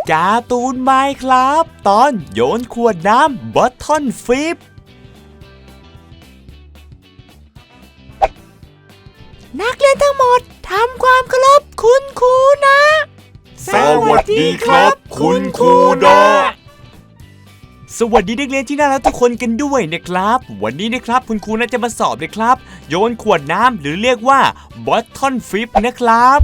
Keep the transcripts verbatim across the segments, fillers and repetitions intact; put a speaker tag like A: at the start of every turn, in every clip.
A: การ์ตูนไมน์ครับตอนโยนขวดน้ำบอททอนฟิปนักเรียนทั้งหมดทำความเคารพคุณครูนะ
B: สวัสดีครับคุณครูนะ
A: สวัสดีนักเรียนที่น่ารักทุกคนกันด้วยนะครับวันนี้นะครับคุณครูน่าจะมาสอบนะครับโยนขวดน้ำหรือเรียกว่าบอททอนฟิปนะครับ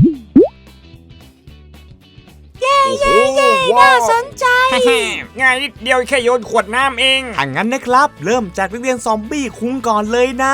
B: เย้เย้เย้น่าสนใจง่ายนิดเดียวแค่โยนขวดน้ำเอง
A: ถ้างั้นนะครับเริ่มจากนักเรียนซอมบี้คุ้งก่อนเลยนะ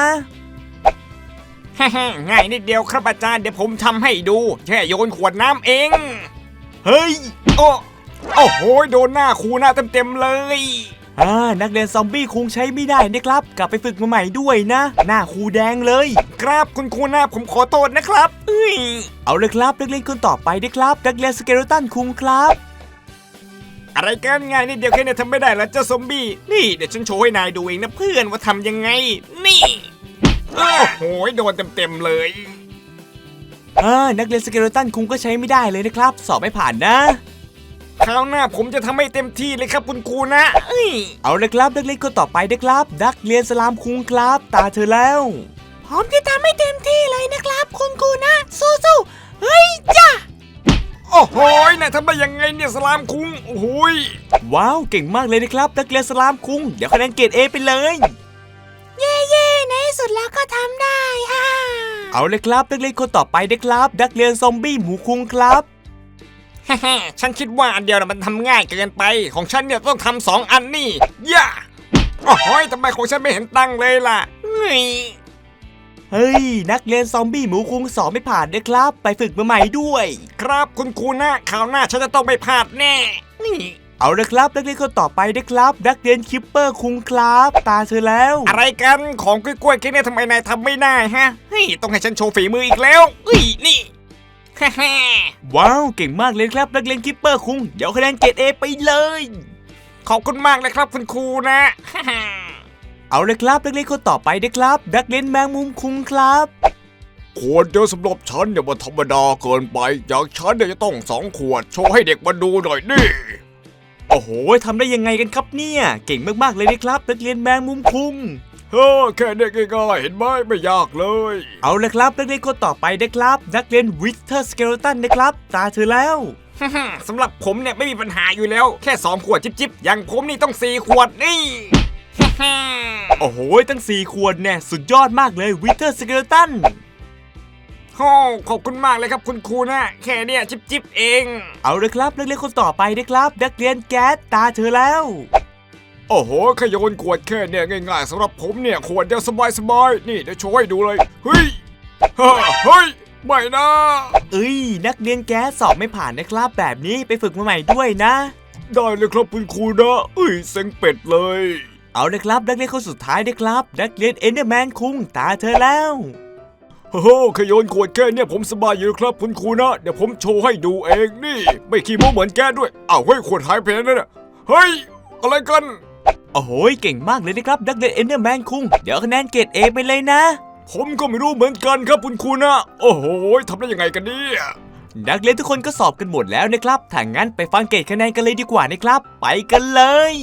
B: ง่ายนิดเดียวครับอาจารย์เดี๋ยวผมทำให้ดูแค่โยนขวดน้ำเอง
A: เฮ้ย
B: โอ้โอ้โหโดนหน้าครูหน้าเต็มๆเลย
A: อ่านักเรียนซอมบี้คงใช้ไม่ได้นะครับกลับไปฝึกมาใหม่ด้วยนะหน้าครูแดงเลย
B: ครับคุณครูหน้าผมขอโทษนะครับเอ้ย
A: เอาเลยครับนักเรียนคนต่อไปนะครับนักเรียนสเกเลตันคุงครับ
B: อะไรกันง่ายนิดเดียวแค่นี้ทำไม่ได้แล้วเจ้าซอมบี้นี่เดี๋ยวฉันโชว์ให้นายดูเองนะเพื่อนว่าทำยังไงนี่โอ้โหโดนเต็มๆเลย
A: อ่านักเรียนสเกเลตันคุงก็ใช้ไม่ได้เลยนะครับสอบไม่ผ่านนะ
B: คราวหน้าผมจะทำให้เต็มที่เลยครับคุณครูนะเอ้ย
A: เอาเลยครับนักเรียนคนต่อไปนะครับนักเรียนสลามคุงครับตาเธอแล้ว
C: ผมจะทำให้เต็มที่เลยนะครับคุณครูนะสู้ๆเฮ้ยจ้า
B: โอ้โหนายทำได้ยังไงเนี่ยสลามคุงโอ้โห
A: ว้าวเก่งมากเลยนะครับนักเรียนสลามคุงเดี๋ยวคะแนนเกรดเอไปเลย
C: เย่เย่ในที่สุดแล้วก็ทำได้ฮ่า
A: เอาเลยครับนักเรียนคนต่อไปนะครับนักเรียนซอมบี้หมูคุงครับ
B: ฮ่าฮ่าฉันคิดว่าอันเดียวมันทำง่ายเกินไปของฉันเนี่ยต้องทำสองอันนี่ย่าโอ้โหทำไมของฉันไม่เห็นตั้งเลยล่ะเฮ้ย
A: เฮ้ยนักเรียนซอมบี้หมูคุงสอบไม่ผ่านนะครับไปฝึกมาใหม่ด้วย
B: ครับคุณครูนะคราวหน้าฉันจะต้องไม่พลาดแน่นี่
A: เอาเลยครับนักเรียนคนต่อไปนะครับนักเรียนคิปเปอร์คุงครับตาเธอแล้ว
B: อะไรกันของกล้วยๆแค่นี้ทำไมนายทำไม่ได้ฮะเฮ้ยต้องให้ฉันโชว์ฝีมืออีกแล้วเฮ้ยนี่ฮ่าฮ่า
A: ว้าวเก่งมากเลยครับนักเรียนคิปเปอร์คุงเดี๋ยวคะแนนเกรดเอไปเลย
B: ขอบคุณมากเลยครับคุณครูนะฮ่าฮ่า
A: เอาเลยครับนักเรียนคนต่อไปนะครับนักเรียนแมงมุมคุงครับ
B: ขวดเดียวสำหรับฉันเนี่ยมันธรรมดาเกินไปอย่างฉันเนี่ยจะต้องสองขวดโชว์ให้เด็กมาดูหน่อยนี่
A: โอ้โหทำได้ยังไงกันครับเนี่ยเก่งมากๆเลยนะครับนักเรียนแมงมุมคุง
B: เฮ้อแค่เด็กง่ายๆเห็นไหมไม่ยากเลย
A: เอาเลยครับนักเรียนคนต่อไปนะครับนักเรียนวิสเทอร์สเกเลตันนะครับตาเธอแล้ว
B: สำหรับผมเนี่ยไม่มีปัญหาอยู่แล้วแค่สองขวดจิ๊บๆอย่างผมนี่ต้องสี่ขวดนี่
A: โอ้โหตั้งสี่ขวดเนี่ยสุดยอดมากเลยวิสเทอร์สเกเลตัน
B: โอ้ขอบคุณมากเลยครับคุณครูนะแค่เนี่ยจิ๊บๆเอง
A: เอาเลยครับนักเรียนคนต่อไปนะครับนักเรียนแก๊สตาเธอแล้ว
B: โอ้โหขยนขวดแค่เนี่ยง่ายๆสำหรับผมเนี่ยขวดเดียวสบายๆนี่เดี๋ยวโชว์ให้ดูเลยเฮ้ยเฮ้ยไม่นะ
A: เอ้ยนักเรียนแก๊สสอบไม่ผ่านนะครับแบบนี้ไปฝึกมาใหม่ด้วยนะ
B: ได้เลยครับคุณครูนะเอ้ยเซ็งเป็ดเลย
A: เอาเลยครับนักเรียนคนสุดท้ายนะครับนักเรียนเอนเดอร์แมนคุงตาเธอแล้ว
B: โอ้โหขยนขวดแค่เนี่ยผมสบายอยู่ครับคุณครูนะเดี๋ยวผมโชว์ให้ดูเองนี่ไม่ขี้โม้เหมือนแกด้วยอ้าวเฮ้ยขวดหายไปแล้วเนี่ยเฮ้ยอะไรกัน
A: โอ้โหเก่งมากเลยนะครับนักเรียนเอนเดอร์แมนคุงเดี๋ยวคะแนนเกรดเอไปเลยนะ
B: ผมก็ไม่รู้เหมือนกันครับคุณครูนะโอ้โหทำได้ยังไงกันเนี่ย
A: นักเรียนทุกคนก็สอบกันหมดแล้วนะครับถ้างั้นไปฟังเกรดคะแนนกันเลยดีกว่านะครับไปกันเลย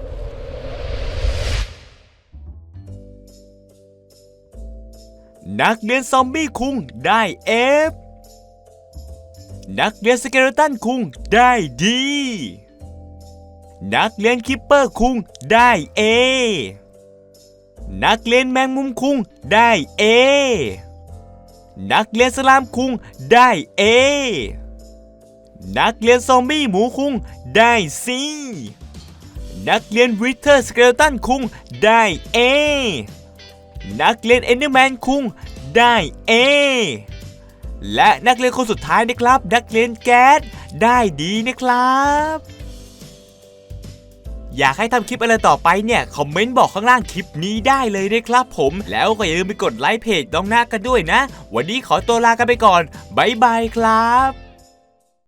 A: นักเรียนซอมบี้คุงได้ F นักเรียนสเกเลตันคุงได้ D นักเรียนคิปเปอร์คุงได้ A นักเรียนแมงมุมคุงได้ A นักเรียนสลามคุงได้ A นักเรียนซอมบี้หมูคุงได้ C นักเรียนวิเทอร์สเกเลตันคุงได้ A นักเรียนเอนเดอร์แมนคุงได้ A และนักเรียนคนสุดท้ายนะครับนักเรียนแก๊สได้ดีนะครับอยากให้ทำคลิปอะไรต่อไปเนี่ยคอมเมนต์บอกข้างล่างคลิปนี้ได้เลยนะครับผมแล้วก็อย่าลืมไปกดไลค์เพจน้องนาคกันด้วยนะวันนี้ขอตัวลากันไปก่อนบ๊ายบายครับ